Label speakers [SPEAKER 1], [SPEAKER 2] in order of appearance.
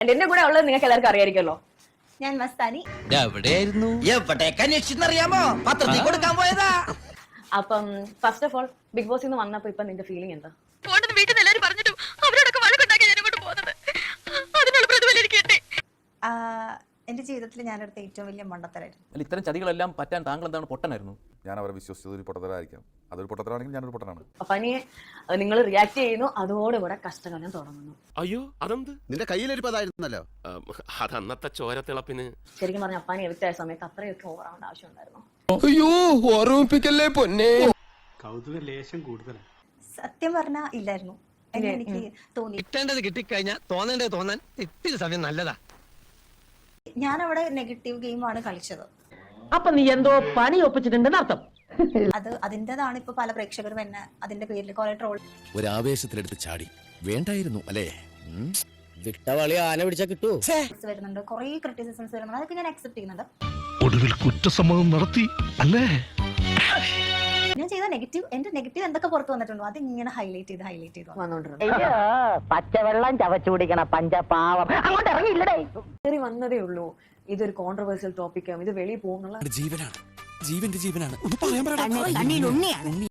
[SPEAKER 1] എന്റെ കൂടെ ഉള്ളത് നിങ്ങൾക്ക് എല്ലാവർക്കും അറിയായിരിക്കുമല്ലോ.
[SPEAKER 2] ഞാൻ മസ്താനി.
[SPEAKER 3] എവിടെയായിരുന്നു? എവിടേക്ക് അന്വേഷിച്ചെന്നറിയാമോ? പത്രത്തിൽ കൊടുക്കാൻ പോയതാ.
[SPEAKER 1] അപ്പം ഫസ്റ്റ് ഓഫ് ഓൾ ബിഗ് ബോസിൽ നിന്ന് വന്നപ്പോ ഇപ്പൊ നിന്റെ ഫീലിംഗ് എന്താ?
[SPEAKER 4] വീട്ടിൽ എല്ലാവരും പറഞ്ഞിട്ടും അവരോടൊക്കെ വഴക്കുണ്ടാക്കി ഞാൻ ഇങ്ങോട്ട് പോകുന്നത്. അതിനുള്ള പ്രതിഫലം എനിക്ക് കിട്ടി.
[SPEAKER 2] എന്റെ ജീവിതത്തിൽ ഞാനെടുത്ത ഏറ്റവും വലിയ മണ്ടത്തരായിരുന്നു.
[SPEAKER 5] അല്ല, ഇത്തരം ചതികളെല്ലാം പറ്റാൻ താങ്കൾ എന്താണ് പൊട്ടനായിരുന്നു?
[SPEAKER 6] ഞാൻ അവരെ വിശ്വസിച്ചത് ഒരു പൊട്ടത്തരായിരിക്കാം. അതൊരു പൊട്ടത്തരാണെങ്കിൽ ഞാനൊരു പൊട്ടനാണ്.
[SPEAKER 1] അപ്പൊ നിങ്ങൾ റിയാക്ട് ചെയ്യുന്നു, അതോടുകൂടെ കഷ്ടകാലം തുടങ്ങുന്നു.
[SPEAKER 7] അയ്യോ അതെന്ത്?
[SPEAKER 8] നിന്റെ കയ്യിലിരിപ്പതായിരുന്നല്ലോ.
[SPEAKER 7] അതന്നത്തെ ചോരത്തിളപ്പിന്.
[SPEAKER 1] ശരിക്കും പറഞ്ഞ അപ്പാനി എവിക്റ്റ് ആയ സമയത്ത് അത്രയൊക്കെ ഓവറാവേണ്ട ആവശ്യം ഉണ്ടായിരുന്നു?
[SPEAKER 9] അയ്യോ ഓർമ്മിപ്പിക്കല്ലേ പൊന്നെ.
[SPEAKER 10] കൗതുക ലേശം കൂടുതലാണ്.
[SPEAKER 2] സത്യം പറഞ്ഞാ ഇല്ലായിരുന്നു. എനിക്ക് തോന്നി
[SPEAKER 9] കിട്ടേണ്ടത് കിട്ടിക്കഴിഞ്ഞാൽ തോന്നേണ്ടത് തോന്നാൻ ഇത്തിരി സമയം നല്ലതാ.
[SPEAKER 2] ഞാൻ അവിടെ നെഗറ്റീവ് ഗെയിമാണ് കളിച്ചത്.
[SPEAKER 11] അപ്പൊ നീ എന്തോ പണി ഒപ്പിച്ചിട്ടുണ്ടെന്ന് അർത്ഥം.
[SPEAKER 2] അതിൻ്റെതാണ് ഇപ്പൊ പല പ്രേക്ഷകരും എന്നെ അതിന്റെ പേരിൽ കുറെ ട്രോൾ
[SPEAKER 3] ഒരു ആവേശത്തിലെടുത്ത് ചാടി വേണ്ടായിരുന്നു അല്ലേ?
[SPEAKER 9] വിട്ടവളി ആന പിടിച്ചാ കിട്ടൂ.
[SPEAKER 2] വരുന്നുണ്ട്, കുറെ ക്രിറ്റിസിസംസ് വരുന്നുണ്ട്. അതൊക്കെ ഞാൻ അക്സെപ്റ്റ് ചെയ്യുന്നുണ്ട്.
[SPEAKER 10] ഒടുവിൽ കുറ്റസമ്മതം നടത്തി അല്ലേ?
[SPEAKER 2] ഞാൻ ചെയ്ത എന്റെ നെഗറ്റീവ് എന്തൊക്കെ പുറത്തു വന്നിട്ടുണ്ടോ അത് ഇങ്ങനെ ഹൈലൈറ്റ് ചെയ്ത്
[SPEAKER 1] വന്നോണ്ടിരുന്നു.
[SPEAKER 11] പച്ചവെള്ളം ചവച്ചു കുടിക്കണ പഞ്ചപാവം അങ്ങോട്ട് ഇറങ്ങിയില്ലടേ.
[SPEAKER 1] വന്നതേ ഉള്ളൂ. ഇതൊരു കോൺട്രവേഴ്സ്യൽ ടോപ്പിക്കും, ഇത് വെളിയിൽ പോകുന്നുള്ള
[SPEAKER 3] ജീവനാണ്, ജീവന്റെ ജീവനാണ്. ഒന്ന് പറയാൻ